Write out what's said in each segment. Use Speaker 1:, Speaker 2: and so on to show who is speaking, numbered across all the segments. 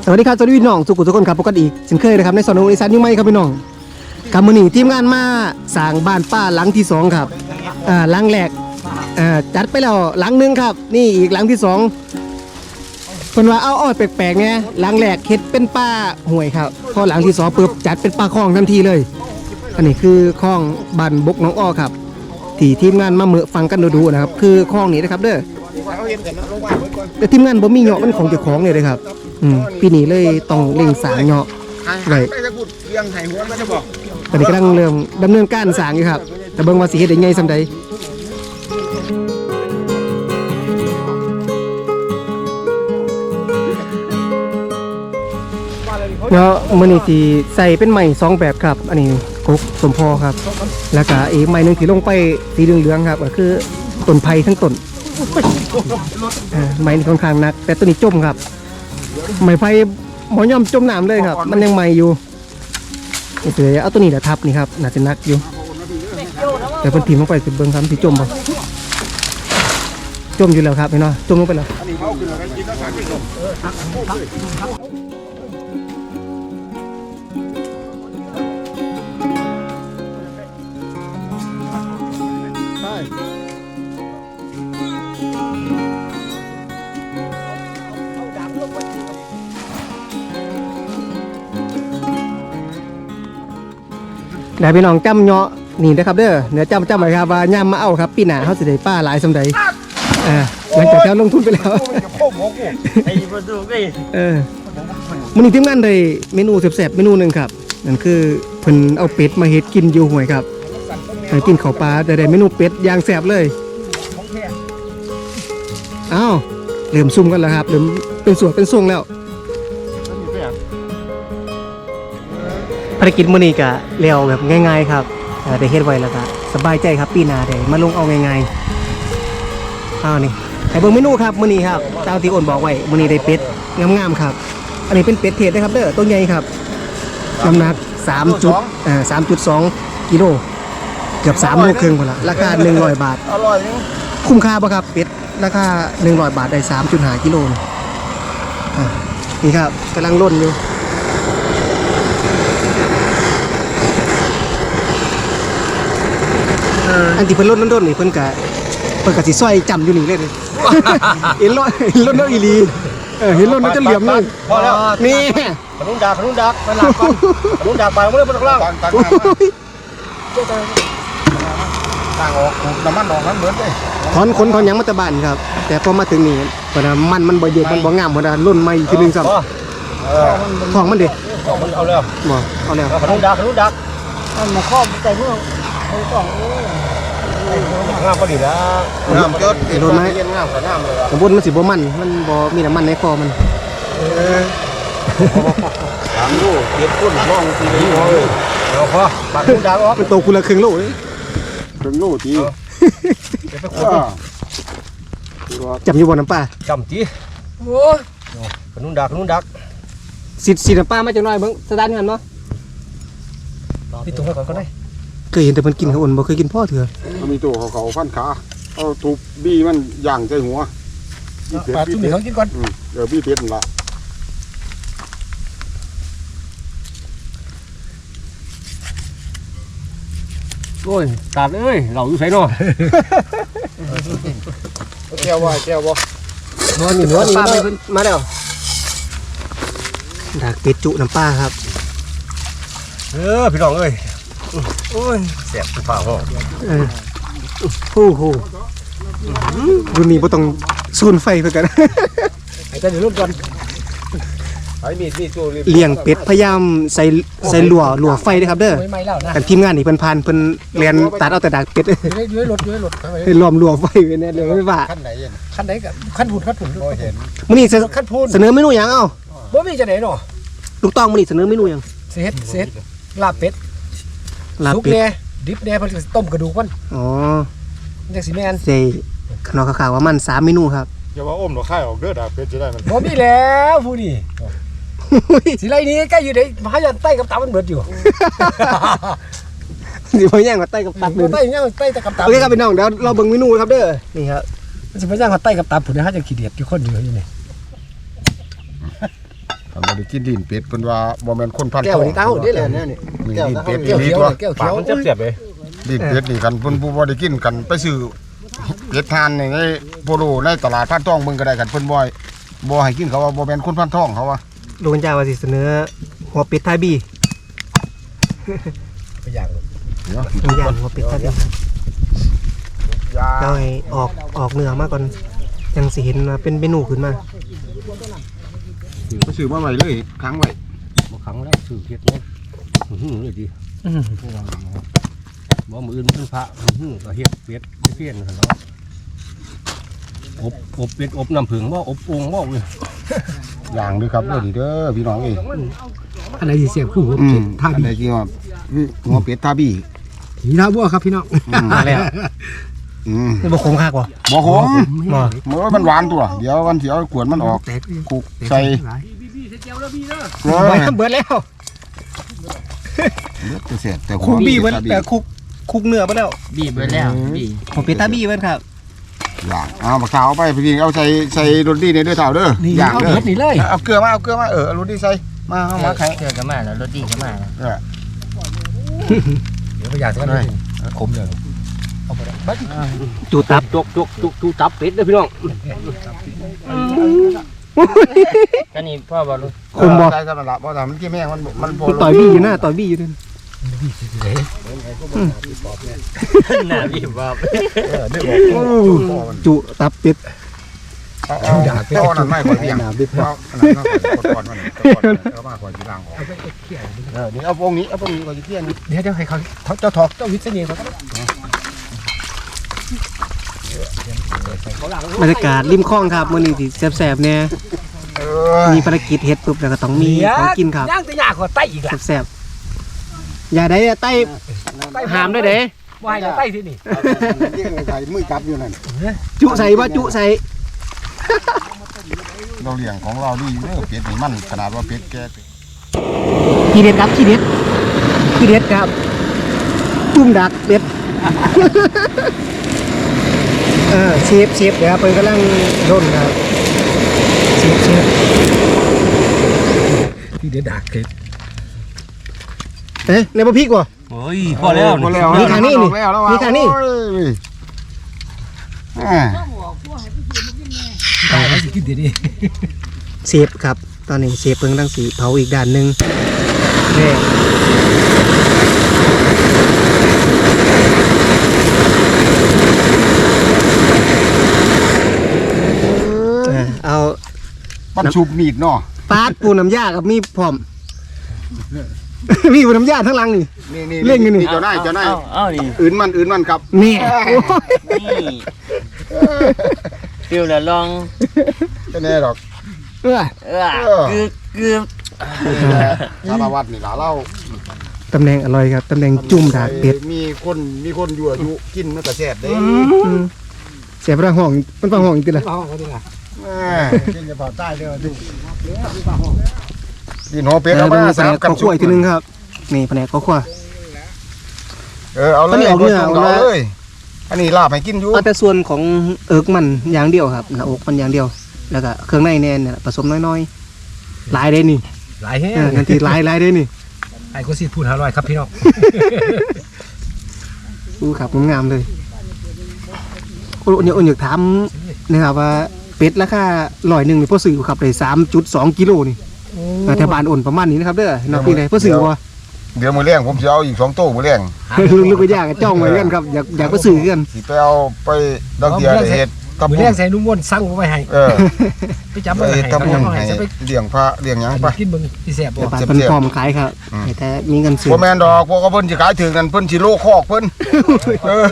Speaker 1: สวัสดีครับสวัสดีพี่น้องสุขุทุกคนครับพบกันอีกเช่นเคยนะครับในสอนอีสานยุ่งไหมครับพี่น้องกับมื้อนี้ทีมงานมาสร้างบ้านป้าหลังที่2ครับหลังแรกจัดไปแล้วหลังนึงครับนี่อีกหลังที่2เพิ่นว่าเอาอ้อยแปลกๆไงหลังแรกเฮ็ดเป็นป้าห่วยครับพอหลังที่2ปุ๊บจัดเป็นป้าคลองทันทีเลยอันนี้คือคลองบ้านบกน้องอ้อครับที่ทีมงานมาเมื่อฟังกันดูๆนะครับคือคลองนี้นะครับเด้อแต่ทีมงานบ่มีเหาะมันของเจ้าของเลยครับปีนี้เลยต้องเร่งสร้างเหาะไว้ตอนนี้กำลังเริ่มดำเนินการสร้างอยู่ครับแต่เบิ่งว่าสิเฮ็ดได้ไงซำใดเนาะมื้อนี้สิใส่เป็นไม้2แบบครับอันนี้กกสมพอครับแล้วก็อีกไม้นึงที่ลงไปสีเหลืองๆครับก็คือต้นไผ่ทั้งต้นไม้ค่อนข้างหนักแต่ตัวนี้จมครับไม้ไผ่หมอย่อมจมน้ำเลยครับมันยังใหม่อยู่นี่เลยเอาตัวนี้แหละทับนี่ครับน่าจะหนักอยู่แต่เพิ่นถิ่มลงไปสิเบิ่งครับสิจมบ่จมอยู่แล้วครับพี่น้องจมลงไปแล้วได้พี่น้องจำเนาะนี่นะครับเด้อเนื้อจำไว้ครับว่าย่ำมาเอาครับปีหน้าเขาสิได้ป้าหลายสำใดหลังจากที่ลงทุนไปแล้วมื้อนี้ทีมงานได้เมนูแซ่บๆเมนูหนึ่งครับนั่นคือเพิ่นเอาเป็ดมาเฮ็ดกินอยู่ห้วยครับให้กินข้าวปลาได้เมนูเป็ดอย่างแซ่บเลยอ้าวเริ่มซุ่มกันแล้วครับเริ่มเป็นส่วนเป็นทรงแล้วภารกิจมื้อนี้ก็แล้วแบบง่ายๆครับได้เฮ็ดไว้แล้วก็สบายใจครับปีหน้าได้มาลงเอาง่ายๆนี่ให้เบิ่งเมนูครับมื้อนี้ครับตามที่อ้นบอกไว้มื้อนี้ได้เป็ดงามๆครับอันนี้เป็นเป็ดเทศนะครับเด้อตัวใหญ่ครับน้ำหนัก3.2 กิโลเกือบ3 โลครึ่งพุ่นล่ะราคา100 บาทอร่อยคุ้มค่าบ่ครับเป็ดราคา100 บาทได้ 3.5 กิโลนี่ครับกำลังร่นอยู่อันที่เพิ่นลดน้ำด้นนี่เพิ่นก็สิซอยจำอยู่นี่เลยเห็นรถน้ำอีหลีเห็นรถน้ำจะเหลี่ยมเลยพอแล้วนี่ขนุนดักไปหลักก่อนขนุนดักไปไม่ได้บนล่างต่างออกน้ำมันออกนั้นเหมือนเลยถอนขนถอนหยังมาตะบ้านครับแต่พอมาถึงนี่เพราะมันบ่เยอะมันบ่งามเพราะรุ่นใหม่ทีนึงซ้ำของมันดิมันเอาแล้วบ่เอาแล้วขนุนดักมันมาครอบใจเมื่อเอาต้องงามพอดีแล้วงามจดโดนไหมงามแต่งามเลยสมบูรณ์มันสิบ่มันบ่มีน้ำมันในคอมัน3 โล7 คนลองทีนี้เลยเอาพอปักขนุนดักออกเป็นโตคุณละครึ่งโลเลยครึ่งโลทีจำอยู่บนน้ำปลาจำจีโอ้ขนุนดักสิน้ำปลามาจังหน่อยเบิ่งสตาร์ทกันเนาะพี่ตุ้งก่อนก็ได้เคยเห็นแต่มันกินเขาอ่อนบ่เคยกินพ่อเถื่อมันมีตัวเขาฟันขาเอาทุบบี้มันย่างใจหัวปลาตุ้งเขากินก่อนเดี๋ยวบี้เทียนละโอ้ยตาดเอ้ยเราอยู่ไสเนาะแก้วบ่นอนอยู่ปลาไปมาแล้วดักเป็ดจุน้ำปลาครับพี่น้องเอ้ยโอ้ยแสบฝ่าห้องโอ้โหดูนี่บ่ต้องซูนไฟเพื่อกันไอ้เจ้าเดี๋ยวรุ่นก่อนเลี้ยงเป็ดพยายามใส่หลัวไฟด้วยครับเด้อกันทีมงานนี่เพิ่นผ่านเพิ่นเรียนตัดเอาแต่ดักเป็ดอยู่ในรถให้ล้อมหลัวไฟไว้แน่เลยไม่ว่าขั้นไหนกับขั้นผุดเห็นมื้อนี้เสนอเมนูหยังเอ้าบ่มีจะไหนเนาะลูกต้องมื้อนี้เสนอเมนูหยังเสร็จลาบเป็ดลุกแน่ดิบแน่เพิ่นสิต้มกระดูกมันอ๋อจังสิแม่นใส่ขนมขาวๆว่ามัน3 เมนูครับอย่าว่าอมหรอกค่ายออกเด้อดาเป็ดสิได้มันบ่มีแล้วผู้นี่สิไรนี้ใกล้อยู่ได้พายันใต้กับตามันเบิดอยู่สิบ่ย่างกับใต้กับตับเลยใต้ย่างใต้กับตับโอเคครับพี่น้องเดี๋ยวเราเบิ่งเมนูครับเด้อนี่ครับมันสิบ่ย่างกับใต้กับตับพุ่นนะฮะจังขี้เดียดอยู่คนอยู่นี่
Speaker 2: บ่ได้กินดินเป็ดเพิ่นว่าบ่แม่นคนพัน
Speaker 1: แก้วนี่เต้าได้เลยเนี่ยนี่
Speaker 2: มีดินเป็ด
Speaker 1: แก้ว
Speaker 2: ดี
Speaker 1: เขียว
Speaker 2: ตัว
Speaker 1: แก้ว
Speaker 3: ปา
Speaker 1: เขี
Speaker 3: ก
Speaker 1: ยว
Speaker 3: มันเจ็บๆเลย
Speaker 2: ดินเป็ดนี่กันเพิ่นผู้บ่ได้กินกันไปซื้อเป็ดทานในโพโลในตลาดพันทองเบิ่งก็ได้กันเพิ่นบ่ให้กินเขาว่าบ่แม่นคนพันทองเขาว่า
Speaker 1: ลุงจ้าว่าสิเสนอหัวเป็ดไทยบี
Speaker 3: ไปอย่าง
Speaker 2: เนาะ
Speaker 1: ลุงย่างหัวเป็ดไทยบีเราให้ออกเนื้อมาก่อนยังสิเห็นว่าเป็นเมนูขึ้นมา
Speaker 2: ก็ซื้อมาไว้เลยค้างไว้
Speaker 3: บ่ครั้งแล้วซื้อเฮ็ดเนาะเลยดิบ่มื้ออื่นมื้อพระก็เฮ็ดเป็ดเพี้ยนซั่นเนาะอบเป็ดอบน้ำผึ้งบ่อบโอ่งบ่เว้ย
Speaker 2: อย่างด้วยครับเด้อนี่เด้อพี่น้องเอ้ย
Speaker 4: อะไรสิเสียบคือหัว
Speaker 2: อื
Speaker 4: เป็
Speaker 2: ม
Speaker 4: ดท่า
Speaker 2: อัน
Speaker 4: ดี
Speaker 2: ใดที่ว่าหัวเป็ดทาบี้
Speaker 4: หีท่าบัวครับพี่น้อง
Speaker 1: มาแล้ว
Speaker 2: อืม
Speaker 1: บ่คงคักบ่
Speaker 2: บ่ขม
Speaker 1: บ่
Speaker 2: เมื่อมันหวานตัวเดี๋ยววันสิเอาขวดมันออก
Speaker 4: แตก
Speaker 2: คุกใส่เออ
Speaker 1: เบิดแล้ว
Speaker 2: จะเสร็จแต่
Speaker 1: คุกบี้เบิดคุกเนื้อเบิดแล้ว
Speaker 5: บีบไปแล้วบีบ
Speaker 1: หัวเป็ดไทยบีเบิดครับ
Speaker 2: อย่างเอาปากกาเอาไปพี่เอาใส่รถดีในเด้อเท่าเด้อ
Speaker 4: นี่
Speaker 2: อย่าง
Speaker 4: เอา
Speaker 2: เด้อ
Speaker 4: เบิดนี่เลย
Speaker 2: เอาเกลือมาเอารถดีใส่มาเอามาไข่
Speaker 5: เจอกันมาแล้วรถดีกันมาแล้ว
Speaker 2: เออ
Speaker 3: เดี๋ยวไปอย่างกันขมเลย
Speaker 1: จูตับ
Speaker 3: จุกตับเป็ดเด้อพี่น้อง
Speaker 5: ก็นี่พ่อบอกลูก
Speaker 1: คมบ่
Speaker 2: ใส่สำหรับบ่ทำมันกี่แม่งมันโพ
Speaker 1: ต่อยบี้อยู่หน้าต่อยบี้อยู่นั่น
Speaker 5: หน้าบีบบอก
Speaker 1: จุตับเป็ด
Speaker 2: เอานั่นไม่ค่อยเพียงเอาอันนั้นเนาะก่อนมันเอามาก่อนสิล้างออกนี่เอาพวกนี้ก่อนสิเที่ยง
Speaker 4: เดี๋ยวให้เขาเจ้าถอกเจ้าวิศนีเขา
Speaker 1: บรรยากาศริมคลองครับมื้อนี้สิแซ่บๆแน่
Speaker 2: เออ
Speaker 1: มีภารกิจเฮ็ดปุ๊บแล้วก็ต้องมีของกินครับ
Speaker 4: ย่างแต่ยากกว่าไต้อีกล่ะ
Speaker 1: แซ่บๆอย่าได้ไต้หามได้เด้
Speaker 4: ว่าให้ไต้ที่นี่
Speaker 2: เที่ยงใส่มือจับอยู่นั่น
Speaker 1: จุใส่บ่จุใส่
Speaker 2: เราเลี้ยงของเราดีอยู่เด้อเป็ดนี่มันขนาดว่าเป็ดแก่
Speaker 1: ขี้เด็ดครับขี้เด็ดครับจุ่มดักเป็ดเชฟเดี๋ยวครับเพิ่นกำลังร่นครับเชฟ
Speaker 4: ที่เดือดดักเกิด
Speaker 1: เอ๊ะในบ่พริกบ่
Speaker 3: โอ้ยพอแล้ว
Speaker 1: มีทางนี้นี่มีทางนี้
Speaker 4: ตายแล้วสิกินเดี๋ยวนี้
Speaker 1: เชฟครับตอนนี้เชฟเพิ่งตั้งสีเผาอีกด้านหนึงแน่เอา
Speaker 2: มันชุบมีดเนาะ
Speaker 1: ปาดปูน้ำยากับมีพร้อม มีปูน้ำยาทั้งหลังนี่
Speaker 2: นี่
Speaker 1: เล่นกันนี่
Speaker 2: เจ้านาย
Speaker 5: เอานี่
Speaker 2: อื่นมันครับ
Speaker 1: นี่
Speaker 5: นี่ฟิวแล้วลอง
Speaker 2: แน่หรอก
Speaker 1: เออ
Speaker 5: คือ
Speaker 2: สารวัตรนี่ล่ะเล่า
Speaker 1: ตำแหน่งอร่อยครับตำแหน่งจุ่มดากเป็ด
Speaker 2: มีคนยั่วยุกินมันก็แซ่บเด้
Speaker 1: เสียบระห้องมันฟังห้องอีกทีละ
Speaker 4: เอาเขาดีล่ะ
Speaker 2: กินจะเผาใต้เด้อดินหัวเป็ดเอามา
Speaker 1: แผ
Speaker 2: สาน ม
Speaker 1: ก
Speaker 2: กับ
Speaker 1: ข้าวคั่วอีกทีนึงครับนี่แผนกข้าวคั่ว
Speaker 2: เอาเลย
Speaker 1: อันนี้ออกเนื้อ
Speaker 2: เอาเลยอันนี้ลาบให้กินอยู่
Speaker 1: เอาแต่ส่วนของเอิกมันอย่างเดียวครับหน้าอกมันอย่างเดียว แล้วก็เครื่องในแน่นเนี่ยผสมน้อยๆหลายได้นี่
Speaker 4: หลายแห้ง
Speaker 1: นาทีหลายได้นี่
Speaker 4: ไอ้ก็สิพูด500ครับพี่น้อง
Speaker 1: ดูครับงามๆเลยโอ้เนี่ยอยากถามนะครับว่าเป็ดราคา100นี่พอซื้อครับได้ 3.2 กิโลนี่แถวบ้านอ่อนประมาณนี้นะครับเด้อนักพี่ไหนพอซื้อบ่
Speaker 2: เดี๋ยวมื้อแรงผมสิเอาอีก2โต๊ะมื้อแรง
Speaker 1: ลึกๆก็ยากจ้องไว้กันครับอยากไปซื้อกัน
Speaker 2: สิไปเอาไปดังเดียวเฮ็ดตำ
Speaker 4: มือ
Speaker 2: บุ
Speaker 4: แร
Speaker 2: ญ
Speaker 4: กใส่นุ่มวนสั่งไว้ให้ ไปจับ
Speaker 2: ไป
Speaker 4: มาให้
Speaker 2: เฮ็ดตำบุญ
Speaker 4: ให้
Speaker 2: ให้
Speaker 4: จะไป
Speaker 2: เลี้ยงพระเลี้ยงหยังไป
Speaker 4: กินเบิ่งที่แซ่บบ่
Speaker 1: แต่บ้านเพิ่นพร้อมขายครับแต่มีเงินซื้อ
Speaker 2: บ่แม่นดอกพวกเขาเพิ่นสิขายถึงนั่นเพิ่นสิโลคอกเพิ่นเออ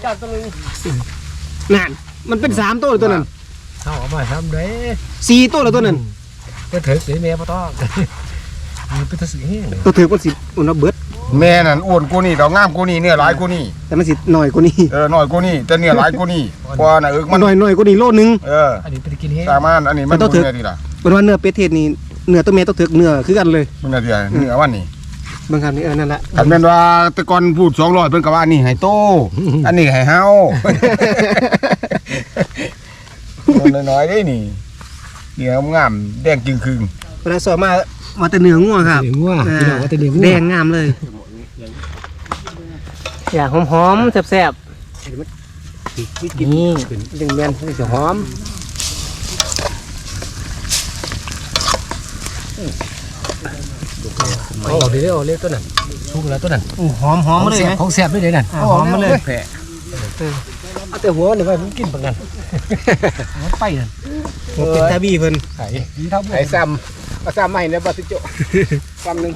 Speaker 1: นั่นมันเป็น3ตัวตัวนั้น
Speaker 4: เอามาทำได้
Speaker 1: 4ตัวแล้วตัวนั้น
Speaker 4: ก็เถิดเสียแม่บ่ต้องมันเป็นตะสึกแห้ง
Speaker 1: ตัวถือมันสิอุ่นเบิด
Speaker 2: แม่นั่นอ้วนกูนี่ดอกงามกูนี่เนื้อหลายกูนี่
Speaker 1: แต่มันสิหน่อยกว่านี้
Speaker 2: น้อยกูนี่แต่เนื้อหลายกูนี่กว่าน่ะมัน
Speaker 1: หน่อยกว่านี้โลนึง
Speaker 4: อันนี้เป็นกินแห้ง
Speaker 2: สามารถอันนี้มัน
Speaker 1: มันต้องถึง
Speaker 2: เนื้อดีล่ะ
Speaker 1: เป็นว่าเนื้อเป็ดเทศนี่เนื้อตัวเมียต้องถึกเนื้อคือกันเลย
Speaker 2: มันเนื้อดีเนื้อวันนี้
Speaker 1: บางคำนี่นั่นแหละ
Speaker 2: คันแม่นว่าแต่ก่อนพูด200เพิ่นก็ว่าอันนี้ให้โตอันนี้ให้เฮาน้อยๆเด้นี่เนื้องามแดงจึงครึ่ง
Speaker 1: เวลาสอบมาแต่เนื้องัวครับ
Speaker 4: เนื้องัวพี่น้องว่าแต่เนื้องัว
Speaker 1: แดงงามเลย อยากหอมๆแซ่บๆนี่
Speaker 4: ดึงแม่นจะหอมเอาเดี๋ยวเอาเล็กตัวนั้นชุกแล้วตัวนั้น
Speaker 1: หอมมาเลยไหม
Speaker 4: ของแซ่บด้วยเลยนั่น
Speaker 1: หอมมาเลย
Speaker 4: เอาแต่หัวนี่ไว้ผมกินปานนั้นมันไปนั่น
Speaker 1: เป็นตาบี้เพิ่น
Speaker 4: ไอ้ซ้ำใหม่เนี่ยบ่สิโจซ้ำนึง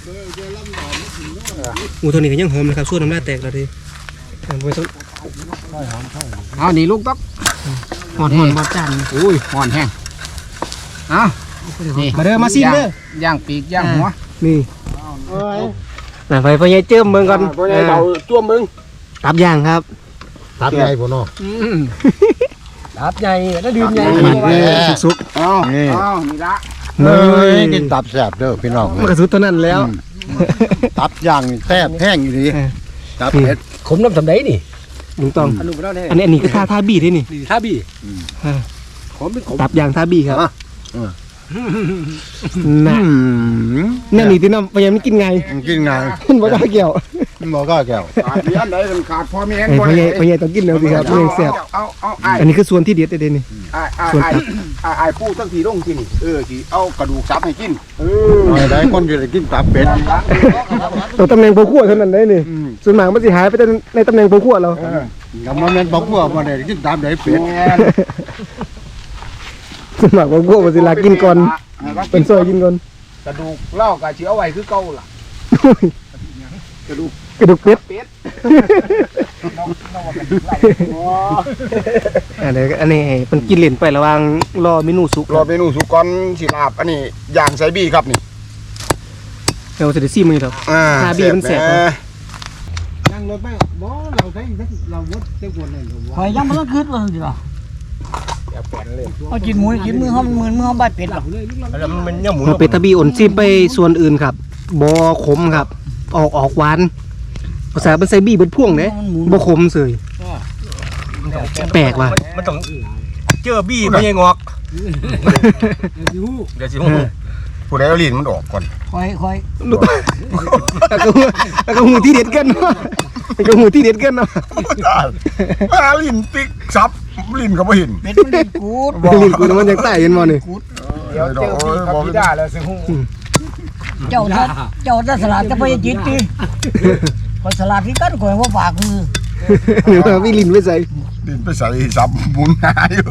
Speaker 1: อูตัวนี้ก็ยังหอมนะครับส่วนน้ำลายแตกแล้วดิไปต้อง
Speaker 4: เอานี่ลูกต๊อก
Speaker 1: หอดจาน
Speaker 4: อุ้ยห่อนแห้งเอานี่
Speaker 1: มาเด้อมาซิมเด้อย่าง
Speaker 4: ปีกย่างหัว
Speaker 1: นี่ไปพ่อใหญ่เจิมเบิ่งก่อน
Speaker 2: บ่ได้เบาจ้วมมึง
Speaker 1: ตับย่างครับ
Speaker 3: ตับใหญ่บ่เนาะ
Speaker 4: ตับใหญ่แล้วดื่มใหญ่
Speaker 1: สุก
Speaker 2: เอา
Speaker 3: นี่
Speaker 2: เอานี่ละ
Speaker 1: ๆ
Speaker 3: เฮ้ยกินตับแซ่บเด้อพี่น้อง
Speaker 1: มันกระสุดเท่านั้นแล้ว
Speaker 3: ตับย่างนี่แซ่บแห้งอยู่ดีตับเผ็ด
Speaker 4: ขมน้ำสำได้นี่
Speaker 1: ลุงต้อง
Speaker 4: อันนู้นไปแล้วเนี่ย
Speaker 1: อันนี้คือท่าบี้ที่นี่
Speaker 4: ท่าบี้ขมเป็นขม
Speaker 1: ตับย่างท่าบี้ครับน่ะ
Speaker 3: อืม
Speaker 1: เนี่ยนี่ที่น้ำพยายามไม่กินไง
Speaker 3: กินไง
Speaker 1: มันบ่ได้เกี่ยว
Speaker 3: บ่ก็แก้ว
Speaker 2: ขาดเลี้ยนได้มันขาดพ่อแม่น
Speaker 1: พยายต้องกินแล้วสิครับเรื่องแซ่บ
Speaker 2: เอาไอ้
Speaker 1: อันนี้คือส่วนที่เด็ดเด็ดนี่
Speaker 2: ไอ้ผู้ตั้งทีลงกินสิเอากระดูกซับให้กิน
Speaker 3: ได้คนอยู่ได้กินตับเป็ด
Speaker 1: ตัวตำแหน่งโพขั้วเท่านั้นได้นี่ส่วนมากมันสิหายไปแต่ในตำแหน่งโพขั้วเรา
Speaker 3: ก็มันแม่นบ่กลัวบ่ได้กินตับได้เป็ด
Speaker 1: ส่วนมากโพขั้วมันสิลากินก่อนเป็นซอยกินก่อน
Speaker 2: กระดูกเล่ากับเชื้อไว้คือเก่าล่ะ
Speaker 1: กระดูกเป็ดอันนี้มันกินเหรียญไประหว่างรอเมนูสุก
Speaker 2: รอเมนูสุกก่อนสิลาบอันนี้ย่างไซบี้ครับนี่
Speaker 1: เราจะได้ซีมันครับ ทาบี้มันแสบ
Speaker 3: นั่งรถไปบ่เราใช้เราวดเจ้าคนนั่น
Speaker 5: คอยยังไม่ต้องคืดเลยสิหรอเอากินหมูกินมือเขามือเขาใบเป็ดหรอ
Speaker 3: แล้วมันยังหมู
Speaker 1: เราเป็ดตะบีอ่อนซีไปส่วนอื่นครับบอขมครับ ออกหวานภาษาเป็นไซบี้เป็นพ่วงเนี่ยบอขมเสยแปลกว่ะ
Speaker 3: มันต้องเจอบี้ไม่งอกเดี๋ยวสิฮู้
Speaker 2: ผู้ใดเอาลิ้นมันออกก่อน
Speaker 5: คอย
Speaker 1: แล้วก็หูที่เด็ดกันเนาะแล้วก็หูที่เด็ดกันเนาะ
Speaker 2: มาลิ้นปิกซับลิ้นก็บ่เห็น
Speaker 5: เป็ดมันเล่นกูด
Speaker 1: ลิ้นกูมันยังใต้ยันมอนี่
Speaker 2: เดี๋ยวเจอพี่ครับพี่ได้แล้วสิฮู้
Speaker 5: เจ้าสลัดจะไปจิตดิคนสลัดที่กันคอยว่าฝากมือ
Speaker 1: หรือว่าวิลินไม่ใส่
Speaker 2: ลิ้นไปใส่ซับหมุนหาอยู่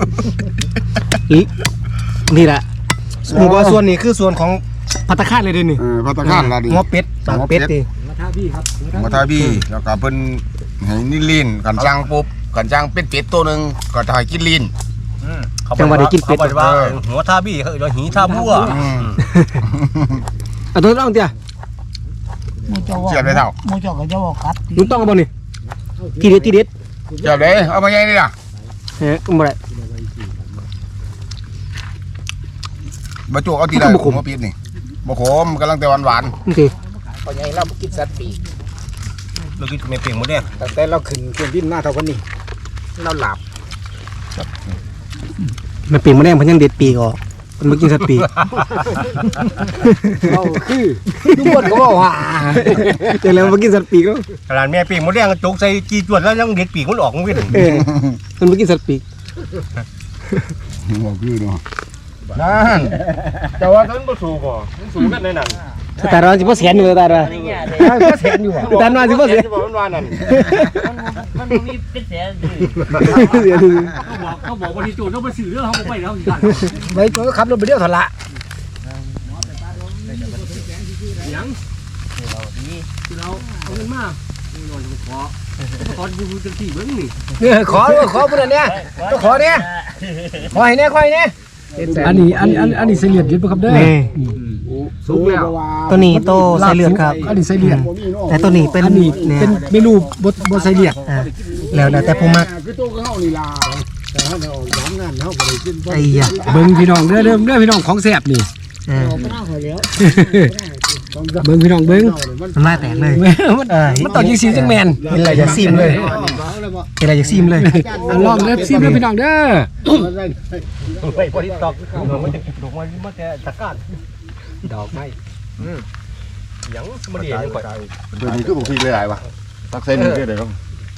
Speaker 1: นี่แหละหมูบอส่วนนี้คือส่วนของพัตตาคารเลยเด้นี่
Speaker 2: พัตตาคารล่ะดิ
Speaker 1: หัวเป็ดปากเป็ดดิ
Speaker 2: มาทาบี้แล้วก็เพิ่นให้นี่ลิ้นกันจ้างปุ๊บกันจ้างเป็ดตัวนึงก็ถ่ายกินลิ้น
Speaker 1: จังหวะได้กินเป็ด
Speaker 3: ว่าหัวท่าบี้เขาเราหีท่าบัว
Speaker 1: เอาตัวต้องเตี้ย
Speaker 5: มูเจ้าก็จะบอกครับ
Speaker 1: ลุงต้องเอาบ่นี่ทีเด็ด
Speaker 2: เดี๋ยวเด้เอามาใหญ่นี่ล่ะ
Speaker 1: เฮ้ยบ่ได้
Speaker 2: บ่โจกเอาทีใดผมมาปิดนี่บ่ขมกำลังแต่หวาน
Speaker 1: นี่สิ
Speaker 4: พอใหญ่เรากินสัตว์ปีก
Speaker 3: เรากินไม่เปลี่ยนหมดเนี่ย
Speaker 4: แต่เราขึ้นเครื่องบินหน้าเท่ากันนี่เราหลับ
Speaker 1: มันปีกมันแดงมันยังเด็ดปีกออกมันมากินสัตว์ปีก
Speaker 4: เราคือทุกคนก็บอกว่า
Speaker 1: เดี๋ยวแล้วมากินสัตว์ปีกแล้ว
Speaker 3: ขนาดแม่ปีกหมดแดงจุกใส่จีจวดแล้วยังเด็ดปีกมันออกมันวิ่ง
Speaker 1: มันมากินสัตว์ปีก
Speaker 2: ๆบ่คือเนาะ
Speaker 3: นั่นแต่ว่าท่านบ่สูบบ่สูบกันในนั้น
Speaker 1: แต่เราสิบ่แสนอยู่แต่เรา
Speaker 5: นี่ไงเลย
Speaker 4: ก็แสนอยู่อ่ะ
Speaker 1: แต่เราสิบ่แสน
Speaker 3: มันว่านั่น
Speaker 5: มันมีเป็นแสน
Speaker 1: เสีย
Speaker 4: เขาบอกว่าที่โจทย์ต้องไปสื่อเรื่องเขาบอกไปแล้วไปโจทย์ขับรถไปเดียวถอดละขอพวกนั้นเนี่ยต้องขอเนี่ยขอให้เนี่ยอันนี้เสียเลือดยึดป่ะครับเด้อ
Speaker 1: นี่
Speaker 4: สุกแล้ว
Speaker 1: ตัวนี้โตใส่เลือดครับ
Speaker 4: อันนี้ใส่เลือด
Speaker 1: แต่ตัวนี้เป็น
Speaker 4: อันนี้
Speaker 1: เนี่ย
Speaker 4: เป็นเมนูบดใส่เลือด
Speaker 1: แล้วแต่ผู้มัก
Speaker 2: คือตัวเฮานี่ล่ะ
Speaker 1: ไอ้ยะ
Speaker 4: เบิ้งพี่น้องเด้อพี่น้องของแซ่บนี่เบิ้งพี่น้องเบิ้ง
Speaker 1: มันมาแตกเลย
Speaker 4: มันต่อยิงซีจังแมน
Speaker 1: เป็นอะไรจะซิมเลยเป็นอะไรจะซิมเลย
Speaker 4: ลองเด้อซีเด้อพี่น้องเด้อ
Speaker 3: ไปพอดีตอกมันจะถูกมันจะตะการ
Speaker 4: ดอกไม้ยังมาเดียวยังก่อน
Speaker 2: ตัวนี้คือบุกพี่หลายๆว่ะตักเส้นนี่คือได้ต้อง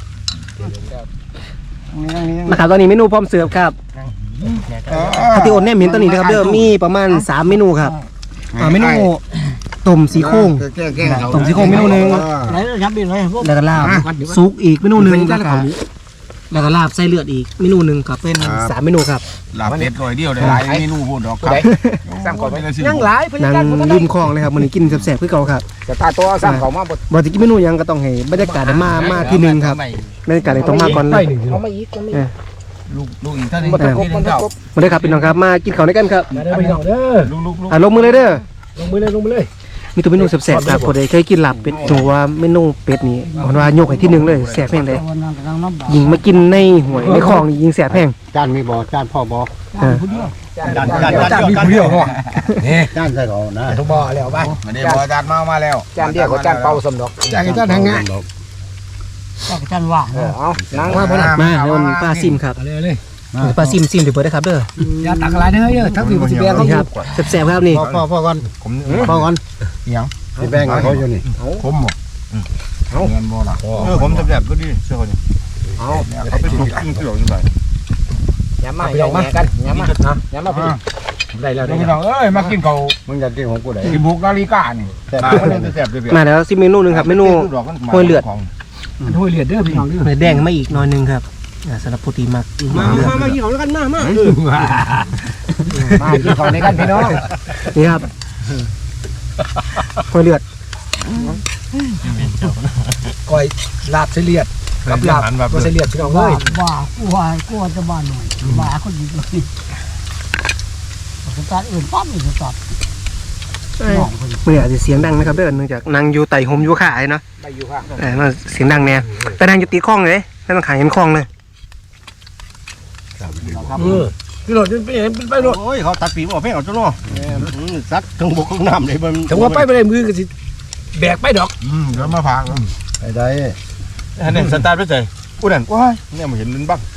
Speaker 1: นะครับตอนนี้เมนูพร้อมเสิร์ฟครับที่โอนแนมเห็นตอนนี้นะครับเด้อมีประมาณ3เมนูครับเมนูต้มสีโครงต้มสีโครงเมนูนึง
Speaker 5: ไหนยับอีกเลยพวก
Speaker 1: แล้วก็ลาบซุกอีกเมนูนึงแล้วก็ลาบไส้เลือดอีกเมนูนึงครับเป็น3เมนูครับ
Speaker 2: ลาบเป็ดร้อยเดียวได้หลายเมนูพูดดอกครับ
Speaker 4: สร้างก่อนไปยังหลายพ
Speaker 1: นั่
Speaker 4: นั
Speaker 1: ง
Speaker 4: กงาน
Speaker 1: ริมคลองเลยครับมื้อนี้กินแซ่บๆคือเก่าครับ
Speaker 4: จะตาตัวสร้างเขามาบด
Speaker 1: บ่สิกินเมนูหยังก็ต้องให้บรรยากาศมาที่หนึงครับบรรยากาศต้องมาก่อนเลย
Speaker 4: เอามาอีก
Speaker 2: ลูกอีกท่านนึง
Speaker 4: มันตะกบมันตะกบ
Speaker 1: มาเลยครับพี่น้องครับมากินข้าวด้วยกันครับ
Speaker 4: มาเด้อพี่น้องเด้อ
Speaker 1: ลงมือเลยเด้อ
Speaker 4: ลงมือเลย
Speaker 1: มีตัวเมนูแซ่บๆครับคนใดเคยกินลาบเป็ดหนูว่าเมนูเป็ดนี่มันว่ายกให้ที่หนึงเลยแซ่บแพงเลย
Speaker 5: วันนั้นกำลังน้ำบ่า
Speaker 1: ยิงมากินในหวยในคลองนี่ยิงแซ่บแพง
Speaker 2: จานมีบ่จานพ่อบ่
Speaker 4: จานมีผู้เดียวนี่
Speaker 2: จานใส่เขานะ
Speaker 4: ทุกบ่อแล้วไป
Speaker 2: มาเดี๋ยวบ่จานมาแล้ว
Speaker 4: จานเดียวกับจานเป่าสมดอกจานกับจานทางงาน
Speaker 5: เจ้าจันว่าง
Speaker 4: เอานั่งมาพ่อน่ะ
Speaker 1: มาแล้วมันปลาซิมครับ
Speaker 4: เลย
Speaker 1: ปลาซิมเดี๋ยวเปิดได้ครับเด้อ
Speaker 4: อย่าตักอะไรเด้อทั้งพี่บ่สิแบงเขา
Speaker 1: นี่ครับแซ่บๆครับนี่
Speaker 2: พ่อก่อนพ่อก่อนยังสิแบ่งให้เขาอยู่นี่ผมบ่เงินบ่ล่ะผมจะแบบก็ดีเชื่อนี่เอาเขาไปถูกขึ้นเสืออยู่ไหน
Speaker 4: ย้ำมาพี่น้องมากันย้ำมาย้ำมาพี่ได้แล้วได้
Speaker 2: พี่
Speaker 4: แล้
Speaker 2: น้
Speaker 4: ว
Speaker 2: องเอ้ยมากินเขามึงอยากกินของกูได้กินบุกนาฬิกานี่แต่มันจะแซ่บด้วย
Speaker 1: มาแล้วซิเมนูนึงครับเมนู ห้วยเลือด
Speaker 4: ห้วยเลือดเด้อพี่น้องเด้อ
Speaker 1: เนื้อแดงมาอีกหน่อยนึงครับสำหรับโปรตีนมาก
Speaker 4: มากินของกันมากินของในกันพี่น้อง
Speaker 1: นี่ครับห้วยเลือด
Speaker 4: ก้อยลาบเสลียดกับลาบก็เสลียดพี่น้องเอ้ย
Speaker 5: กูจะบ้านหน่อยบ้าคนดีเลยสตาร์ทอื่นปั๊บอีกสตาร์ทน้องคน
Speaker 1: เมื่ออาจจะเสียงดังนะครับเด้อเนื่องจากนางอยู่ไต่ห่มอยู่ขาเนาะ
Speaker 4: ไปอยู่ค่ะ
Speaker 1: มันเสียงดังแน่แต่นางอยู่ตีคลองเลยไม่ต้องขายเห็นคลองเลย
Speaker 4: พี่โรดเป็นไปโรด
Speaker 2: โอ้ยเขาตัดปีบอกให้เอาจ้าเนาะซัดทั้งบกทั้งน้ำเลยมัน
Speaker 4: ถึงว่าไปไม่ได้มือก็สิแบกไปดอก
Speaker 2: เดี๋ยวมาพังไปได้อันนี้สตาร์ทไปเลยกูนั่นว้ายเนี่ยมาเห็นมันบ้าง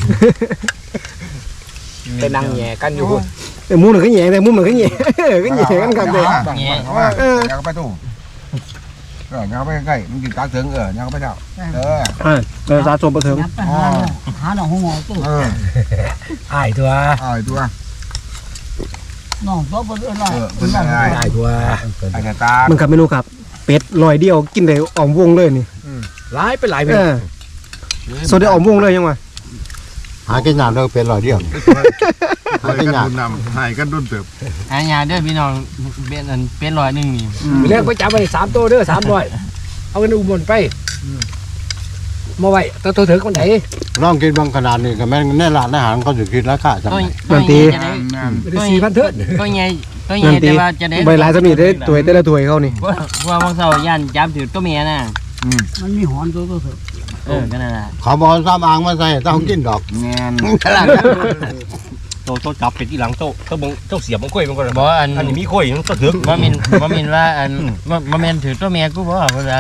Speaker 4: ไปนั่งแย่กันอยู่
Speaker 1: แต่มุมหนึ่งก็แย่แต่มุมหนึ่งก็แย่ก็แย่กันครับเด็ก
Speaker 2: อยากไปตู้อยากไปใกล้มันกินตาเถิงอยากไปเจ้า
Speaker 1: สะสมประเถิง
Speaker 5: ยับไปหาหนองหัวตู้
Speaker 4: อ้ายตัว
Speaker 2: ตัว
Speaker 5: น้องตัวบนเอื้อนไร
Speaker 2: เป็นยังไง
Speaker 4: อ้ายตัว
Speaker 2: ไอ้กระตา
Speaker 1: มันกับเมนูครับเป็ดลอยเดียวกินได้ออมวงเลยนี่
Speaker 4: หลายไปหลายไป
Speaker 1: โซได้ออมวงเลยยังไง
Speaker 2: หากินน้ำเราเป็นร้อยเดียวหากินน้ำหายกันดุนเติบ
Speaker 6: หายาเด้อพี่น้องเป็น100นึงนี่
Speaker 4: เรียกไปจับไป3ตัวเด้อ300เอาเงินอุบลไปมาไว้ตัวถึงคนไหน
Speaker 2: ลองกินบางขนาดนี้ก็แม่ในร้านอาหารเขาจะคิดราคาจัง
Speaker 1: มันตี
Speaker 4: ไม่ได้4,000เถิด
Speaker 6: ก็ใหญ่
Speaker 1: นั่นตี
Speaker 6: แต่ว่าจะได้
Speaker 1: ใบลายสมีได้ถวยแต่ละถวยเขานี่
Speaker 6: ว่าบางเสาย่านจับถือตัวเมียน่ะ
Speaker 5: มันมีหอนตัวเถอะ
Speaker 6: ก็นั่นน่ะ
Speaker 2: เขาบอกซ้ำอ่างมาใส่ต้องกินดอกแงน
Speaker 7: โตจับเป็ดที่หลังโตเจ้าเสียบมันค่อยมันก็
Speaker 6: บ่อัน
Speaker 7: อันนี้มีค่อยมันก็ถึง
Speaker 6: บ่แม่นว่าอันบ่แม่นถือตัวเมียกูบ่ว่าตัว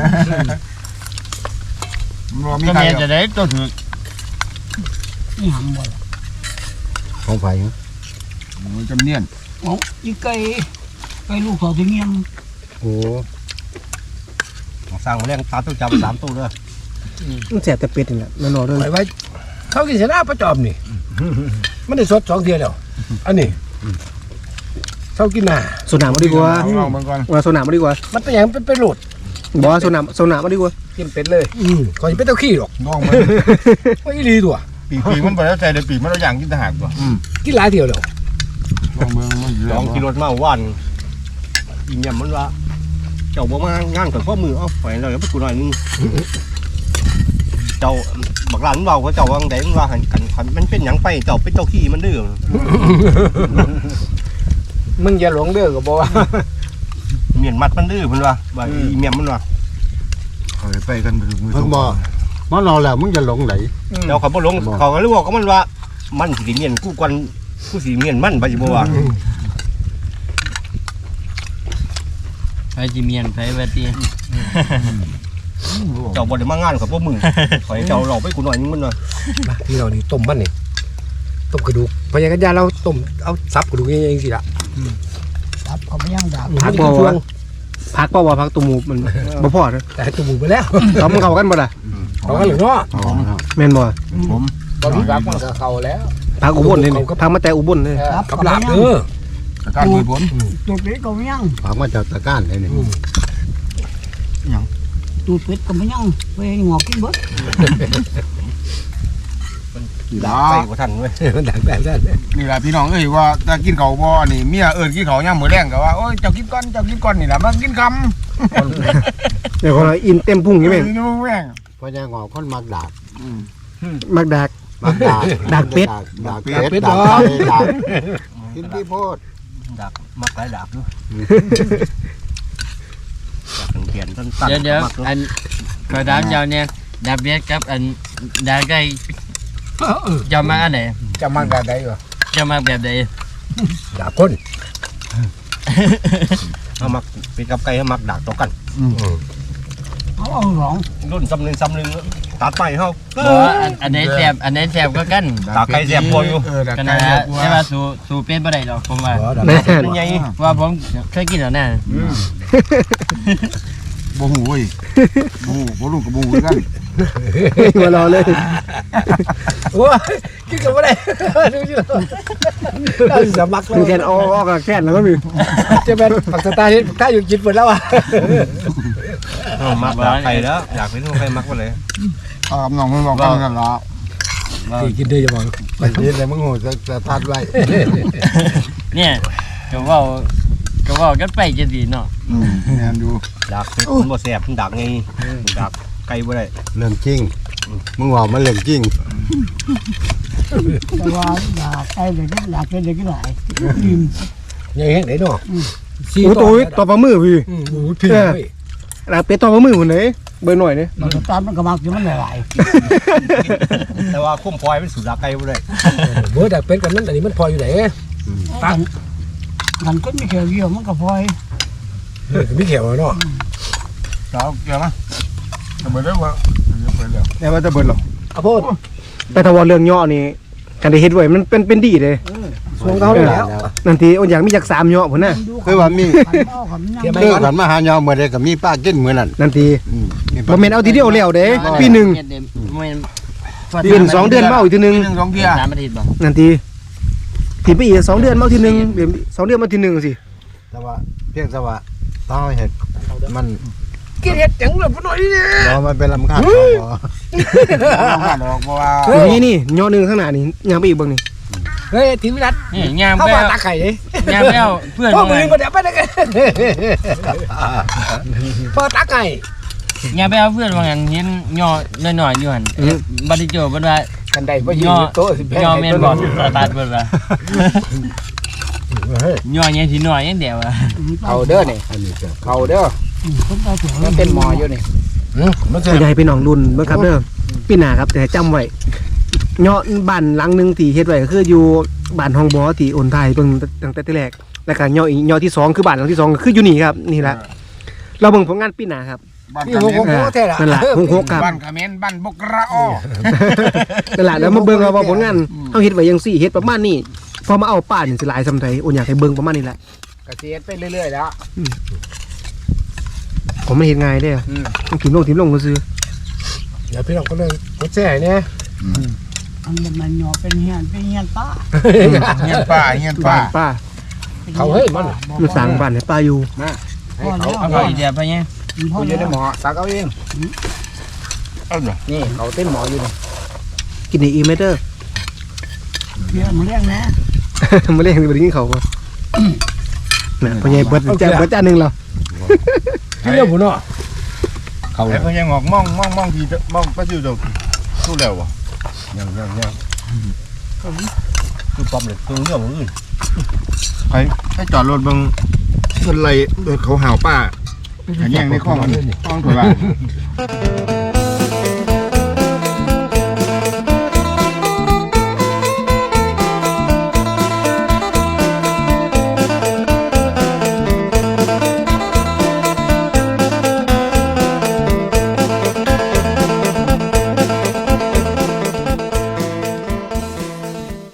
Speaker 6: เมียจะได้ตัวถือ
Speaker 5: นี่หำบ่
Speaker 2: ของไผ่จำเนียน
Speaker 5: อ๋ออีไก่ลูกเขาถึงเงี้ย
Speaker 2: โอ้
Speaker 7: สร้างมาแรงตาต้องจับ3ตัวเด้อ
Speaker 1: มันแสบแต่เป็ดนี่แหละมันนอนเลย
Speaker 4: ไว้เขากินเสนาประจอมนี่มันได้สด2เดือนแล้วอันนี้เขากินน่ะ
Speaker 1: โซนามาดีกว่า
Speaker 2: ลองมันก่อน
Speaker 1: ว่าโซนามาดีกว่า
Speaker 4: มันเป็นอย่างเป็นโหลด
Speaker 1: บอกว่าโซนามาดีกว่า
Speaker 4: กินเป็ดเลยก่อนจะเป็นเต้าขี้หรอก
Speaker 2: ลองมัน
Speaker 4: ไม่ดีตัว
Speaker 2: ปีมันไปแล้วใจเดี๋ยวปีมันเราอย่างกินทหารตัว
Speaker 4: กินหลายเดียวแล้ว
Speaker 2: ลองเมืองมัน
Speaker 7: ลองกินรถมาว่านอีเนี่ยมันว่าเจ้าบ่มางานกับข้อมือเอาไปเราอย่าไปกูหน่อยนึงเจ้าบักหลานเบาก็เจ้าว่าไงมันว่าหันกันมันเป็นหยังไปเจ้าเป็นเจ้าขี้มันดื้อ
Speaker 4: มึงอย่าหลงเด้อก็บอกว่า
Speaker 7: เมียนมัดมันดื้อเพิ่นว่าอีเมียมันว่า
Speaker 2: ไปกันมือเพิ่งบอกมันนอนแล้วมึงจะหลงไหน
Speaker 7: เจ้าเขาบ่ลงเขาก็เลยบอกกับมันว่ามันสิเมียนกูกวนกูสิเมียนมันไปสิบ่ว่า
Speaker 6: ไปจิเมียนไปว่าติ
Speaker 7: เจ้าบ่ได้มางานกับพวกมึงขอให้เจ้าเราไปกูหน่อยนึงมันว่า
Speaker 4: ที่เรานี่ต้มมันนี่ต้มกระดูกพยากัญญาเราต้มเอาซับกระดูกเองสิละ
Speaker 5: บเขาไม่ย่างดาบ
Speaker 1: พักบ่วะพักบ่วะพักตัวหมูมันบ่พอเด้อ
Speaker 4: แต่จมูกไปแล้ว
Speaker 1: เขามันเข้ากันบ่ล่ะ
Speaker 4: เขาก็เหลือเนาะ
Speaker 1: แม่นบ่
Speaker 4: ตอนนี้รักมันก็เข้าแล้ว
Speaker 1: พักอุบลเลยนี่พักมาแต่อุบลเลย
Speaker 5: ครับ
Speaker 4: กับหลาบเด้อ
Speaker 2: การมีผล
Speaker 5: ตูดเป็ดก็ไม่ย่าง
Speaker 7: ฝากมาจากตะก้านเลยนี่
Speaker 5: ตูดเป็ดก็ไม่ย่างไปหงอกกินเบิด
Speaker 7: ดักไปกว่าท่านเว้ยมันดักแบบนั้น
Speaker 2: นี่ล่ะพี่น้องเอ้ยว่าถ้ากินข้าวบ่นี่เมียเอิ้นกินข้าวยามมื้อแลงก็ว่าโอ้ยเจ้ากินก่อนนี่ล่ะมากินคำ
Speaker 1: เดี๋ยวคนอินเต็มพุ่งอยู่แม่ง
Speaker 2: นี่แม่ง
Speaker 7: เพราะยังงอคนมักดัก
Speaker 1: มักดัก
Speaker 7: มักดัก
Speaker 1: ดักเป็ด
Speaker 7: ดักเป็ดดักไก่ดักกินที่โพดดักมักหลายดักด้วยดักเขียนสั้น
Speaker 6: เดี๋ยวอันกระดาษยาวเนี่ยดาบเบียดกับอันดาไก่จะมาอันไหน
Speaker 4: จะมันกันได้เหรอ
Speaker 6: จะมาแบบใด
Speaker 7: ดักคนเอามักเป็นกับไก่เอามักดักต่อกัน
Speaker 5: เอาหลอง
Speaker 7: รุ่นซ้ำหนึ่งตัดไปเขา
Speaker 6: อันไหนแสบก็กัน
Speaker 7: ตาไก่แสบพออยู่
Speaker 6: กันนะใช่ป่ะสู้เป็นบ่ได้หรอกผมว่า
Speaker 1: แม่น
Speaker 7: ใหญ่
Speaker 6: ว่าผมเคยกินแล้วนะ
Speaker 2: บ่ฮู้เว้ยบ่รู้กับบ่ฮู้คือกัน
Speaker 1: หัวรอเลย
Speaker 4: โอ้ยกินกันไม่ได้ดูสิเราจะมักเล
Speaker 1: มี
Speaker 4: ย
Speaker 1: แค่นออกกับแค่นแล้วก็มี
Speaker 4: จะเป็นปักสตาร์ที่ถ้าอยู่กินหมดแล้วอ่ะ
Speaker 7: มักดักไก่แล้วอยากเป็นไก่มักไปเลย
Speaker 2: น้องมันบอกกันนั่นล่ะ
Speaker 4: กินได้จะบอก
Speaker 7: ไปกินเลยมึงโหจะตัดไว้
Speaker 6: เนี่ยก็ว่ากันไปจะดีเนาะ
Speaker 2: แม่นอยู่
Speaker 7: ดักเป็นบ่แสบมันดักไงดักไก่บ่ได้เรื่องจริงมึงว่ามันเรื่องจริง
Speaker 5: แต่ว่าดาบไก่เด็กดาบเป็ดเด็กหลายอิ่ม
Speaker 4: ยังเห็นไหนเนาะ
Speaker 1: โอ้ตัวต่อปลามือพี่
Speaker 4: โอ้ยพี่
Speaker 1: ดักเป็ดต่อปลามือคนไหนเบอร์หน่อยนี่
Speaker 5: มันก็ตามมันก็มักอยู่มันหลาย
Speaker 7: แต่ว่าคุ้มพลอยเป็นสูตรดักไก่บ่ได้
Speaker 4: เมื่อดักเป็ดกันนั้นอันนี้มันพออยู่ไหน
Speaker 5: ๆมันก็มีแค่เดียวมันก็พอย
Speaker 4: ไม่เขียวเนาะ
Speaker 2: เจ้าเกี่ยวมั้ยจะเบิดแล้วว่าเบิดแล้วแต่ว่าจะเบิดหรอก
Speaker 4: ข้าวโพด
Speaker 1: แต่ถ้าว่าเรื่องย่อนี่กันได้เฮ็ดไว้มันเป็นดีเลย
Speaker 4: ช่วงเขาแล้ว
Speaker 1: นั่นทีอ้นอยากมีจาก3ย่อพุ่นน่ะ
Speaker 7: คือว่ามี
Speaker 5: ขันเอาขันย่าง
Speaker 7: คือกันมาหายอมื้อใดก็มีป้ากินมื้อนั้น
Speaker 1: นั่นทีบ่แม่นเอาทีเดียวแล้วเด้ปีหนึงปีน2 เดือนมาเอาอีกทีนึง
Speaker 2: 1 2เที่ย
Speaker 6: 3 อาทิตย์บ่
Speaker 1: นั่นทีทีไปอีก2 เดือนมาเอาทีนึงเดี๋ยว2 เดือนมาทีนึงสิ
Speaker 7: แต่ว่าเพียงแต่ว่าต้องเฮ็ดมัน
Speaker 4: กินเห็ดจังเลยพ่อหน่อยนี่
Speaker 7: บ่มันเป็นลำคาญเขาบ่
Speaker 2: บ่ผ่านดอกเพราะว่า
Speaker 1: นี่ย่อหนึงข้างหน้านี่ย่างไปอีกเบิ่งนี่
Speaker 4: เฮ้ยทีวิรัต
Speaker 6: นี่ยาม
Speaker 4: เข้า
Speaker 6: ไป
Speaker 4: มาตาไข่เลย
Speaker 6: ยามไปเอาเพื่อน
Speaker 4: พ่อ
Speaker 6: มา
Speaker 4: มือมาเดี๋ยวไปได้กันพ่อตาไก่
Speaker 6: ยามไปเอาเพื่อนว่างั้นเห็นย่อน้อยๆอยู่หั่นบ่ได้เจอบ่ว่า
Speaker 4: กันใดพ่อยืนโต๊ะสิแพง
Speaker 6: ย่อแม่นบ่ตัดเบิดว่าย่อยังสิน้อยยังเดียวว่า
Speaker 4: เอาเด้อนี่เอาเด้อ
Speaker 5: คนตาเถียว
Speaker 4: มันเป็นหมออยู่นี่มัน
Speaker 1: ก็อยากให้พี่น้องรุ่นเบิ่งครับเด้อปีหน้าครับแต่ให้จำไว้ย่อบ้านหลังหนึงที่เฮ็ดไว้ก็คืออยู่บ้านห้องบ่อที่โอนไทยเบิ่งตั้งแต่ที่แรกแล้วก็ย่อที่ 2 คือบ้านหลังที่ 2 ก็คืออยู่นี่ครับนี่แหละเราเบิ่งผลงานปีหน้าครับ
Speaker 2: บ้าน
Speaker 4: นี่
Speaker 2: กะ
Speaker 4: โห
Speaker 2: เมน
Speaker 4: โหแท้ละ
Speaker 1: นั่นล่ะ66ครับ
Speaker 2: บ้านกะเมนบ้านบกระอ้อ
Speaker 1: นั่นล่ะแล้วมาเบิ่งว่าผลงานเฮาเฮ็ดไว้จังซี่เฮ็ดประมาณนี้พอมาเอาป้านี่สิหลายซำไดโอนอยากให้เบิ่งประมาณนี้แหละ
Speaker 4: กระเทียมไปเรื่อยๆแล้ว
Speaker 1: ผมมันเฮ็ดง่ายเด้อต้องถิ่มลงซื่อ
Speaker 4: เดี๋ยวพี่น้องก็เลยกดแช่เนี่ย
Speaker 5: อันมันหยอเป็นเฮียนป้า
Speaker 2: เฮียนป้าเฮียน
Speaker 1: บ้า
Speaker 2: ป้าน
Speaker 1: ป้า
Speaker 4: เขาเฮ้ยมัน
Speaker 1: มันสร้างบ้านให้ป้าอยู่
Speaker 5: พ่อแล้ว
Speaker 6: เอาไปเดียวไปเนี่ย
Speaker 5: พ่อ
Speaker 4: กูอยู่
Speaker 5: แล้ว
Speaker 4: ในหมอสักเอาเอง
Speaker 2: เอาเหรอ
Speaker 4: นี่เขาเต้นหมออยู่นี่
Speaker 1: กินได้อีกไหมเด้อ
Speaker 5: เดี๋ยวมันเลี้ยงนะ
Speaker 1: มาเล่นบ่ได้กินข้าวบ่น่ะพ่อใหญ่เบิดจานนึงแล้ว
Speaker 4: กินเรื่องผมเนาะ
Speaker 2: ไอ้เพิ่นยังงอกมองที่มองไปอยู่ดอกสู้แล้วบ่
Speaker 7: ยังคือปั๊มเลยคือเรื่องอื่น
Speaker 2: ให้จอดรถเบิ่งเพิ่นไล่รถเขาหาวป้าอันนี้ในคลองถอยว่า